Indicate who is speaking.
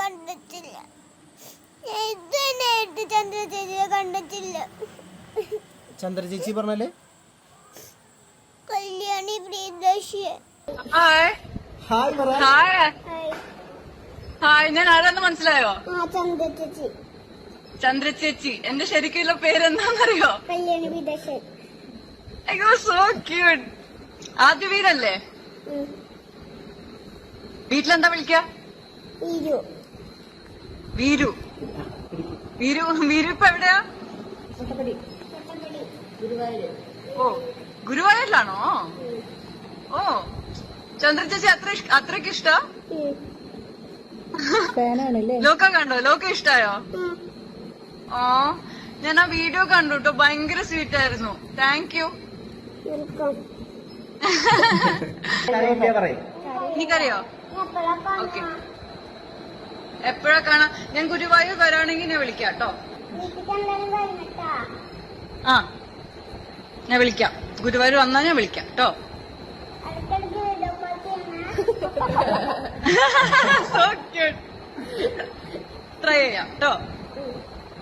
Speaker 1: കണ്ടിട്ടില്ല. ഇതുവരെയായിട്ട് ചന്ദ്ര ചേച്ചിയെ കണ്ടിട്ടില്ല.
Speaker 2: ചന്ദ്ര ചേച്ചി പറഞ്ഞാലേ
Speaker 1: കല്യാണി പ്രിയദർശി.
Speaker 3: ഹായ്
Speaker 2: ഹായ് പറ.
Speaker 3: ഹായ് ഹായ്, ഞാൻ ആരാന്ന് മനസ്സിലായോ?
Speaker 1: ചന്ദ്ര ചേച്ചി.
Speaker 3: ചന്ദ്ര ചേച്ചി. എന്റെ ശരിക്കുള്ള പേരെന്താന്നറിയോ?
Speaker 1: കല്യാണി പ്രിയദർശി.
Speaker 3: So cute. ആദ്യ വീരല്ലേ? വീട്ടിലെന്താ വിളിക്ക?
Speaker 1: വീരു.
Speaker 3: വീരു. വീരു. വീരു ഇപ്പൊ എവിടെയാ? ഓ, ഗുരുവായൂരിലാണോ? ഓ, ചന്ദ്ര ചേച്ചി അത്രയ്ക്ക് ഇഷ്ട? ലോക കണ്ടോ? ലോക ഇഷ്ടായോ? ഓ, ഞാൻ ആ വീഡിയോ കണ്ടു കേട്ടോ, ഭയങ്കര സ്വീറ്റ് ആയിരുന്നു. Thank you. എനിക്കറിയോ? ഓക്കെ, എപ്പോഴാ കാണാ? ഞാൻ ഗുരുവായൂർ വരാണെങ്കിൽ ഞാൻ വിളിക്കാം കേട്ടോ. ആ, ഞാൻ വിളിക്കാം. ഗുരുവായൂർ വന്നാ ഞാൻ വിളിക്കാം കേട്ടോ. So cute. ട്രൈ ചെയ്യാം കേട്ടോ.